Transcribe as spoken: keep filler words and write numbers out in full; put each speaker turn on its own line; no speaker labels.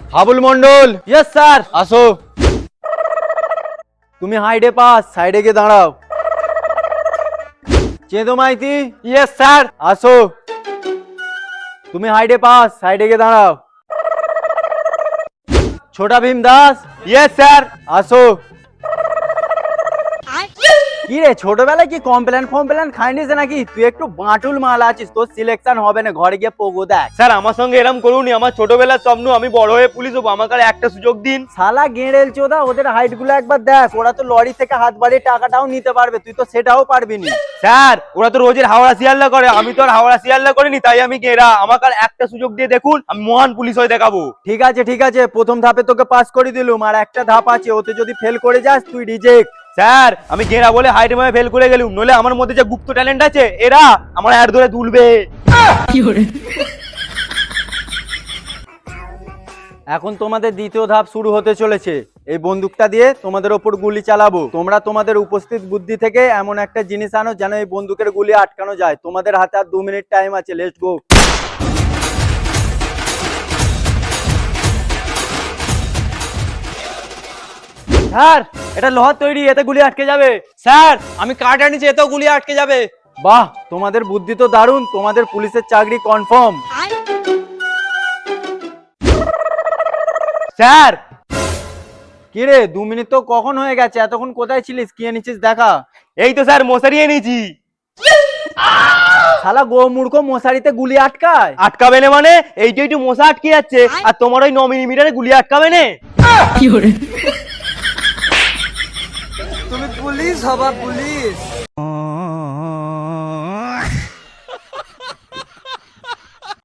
Habul Mondal.
Yes sir.
আসো।
তুমি হাইডে pass, সাইডে গিয়ে দাঁড়াও। চেদো মাইতি।
Yes sir.
আসো। তুমি হাইডে পাস, সাইডে গিয়ে দাঁড়াও। ছোটা ভীম দাস।
Yes sir.
আসো। কি রে ছোটবেলায় কি কমপ্লেন ফমপ্লেন খাইনিস নাকি? তুই একটু বাঁটুল মাল আছিস, তোর সিলেকশন হবে না, ঘরে গিয়ে পোগো দেখ।
স্যার আমার সঙ্গে এরকম করুনি, আমার ছোটবেলার স্বপ্ন আমি বড় হয়ে পুলিশ হবো, আমাকে আর একটা সুযোগ দিন।
শালা গেঁড়েল চোদা, ওদের হাইট গুলো একবার দেখ, ওরা তো লরি থেকে হাত বাড়িয়ে টাকাটাও নিতে পারবে, তুই তো সেটাও পারবি না।
স্যার ওরা তো রোজের হাওড়া শিয়ালদা করে, আমি তো আর হাওড়া শিয়ালদা করিনি, তাই আমি গেরা, আমাকে আর একটা সুযোগ দিয়ে দেখুন, আমি মহান পুলিশ হয়ে দেখাবো।
ঠিক আছে ঠিক আছে, প্রথম ধাপে তোকে পাস করে দিলুম, আর একটা ধাপ আছে, ওতে যদি ফেল করে যাস তুই রিজেক্ট।
স্যার আমি গেরা বলে হাইট মারে ফেল করে গেলুম, নলে আমার মধ্যে যে গুপ্ত ট্যালেন্ট আছে এরা আমার হাত ধরে তুলবে।
এখন তোমাদের দ্বিতীয় ধাপ শুরু হতে চলেছে। এই বন্দুকটা দিয়ে তোমাদের ওপর গুলি চালাবো। তোমরা তোমাদের উপস্থিত বুদ্ধি থেকে এমন একটা জিনিস আনো যেন এই বন্দুকের গুলি আটকানো যায়। তোমাদের হাতে আর দু মিনিট টাইম আছে, লেটস গো।
স্যার এটা লোহার তৈরি, এতে গুলি আটকে যাবে। স্যার আমি কাঠ আনিছি, এতেও গুলি আটকে যাবে।
বাহ, তোমাদের বুদ্ধি তো দারুণ, তোমাদের পুলিশের চাকরি কনফার্ম।
স্যার
কি রে, দু মিনিট তো কখন হয়ে গেছে, এতক্ষণ কোথায় ছিলিস, কি এনেছিস দেখা।
এই তো স্যার মশারি এনেছি।
শালা গো মূর্খ, মশারিতে গুলি আটকায়?
আটকাবে না মানে এইটা একটু মশা আটকে যাচ্ছে, আর তোমার ওই ন মিলিমিটারে গুলি আটকাবে না।
তুমি পুলিশ হবা পুলিশ।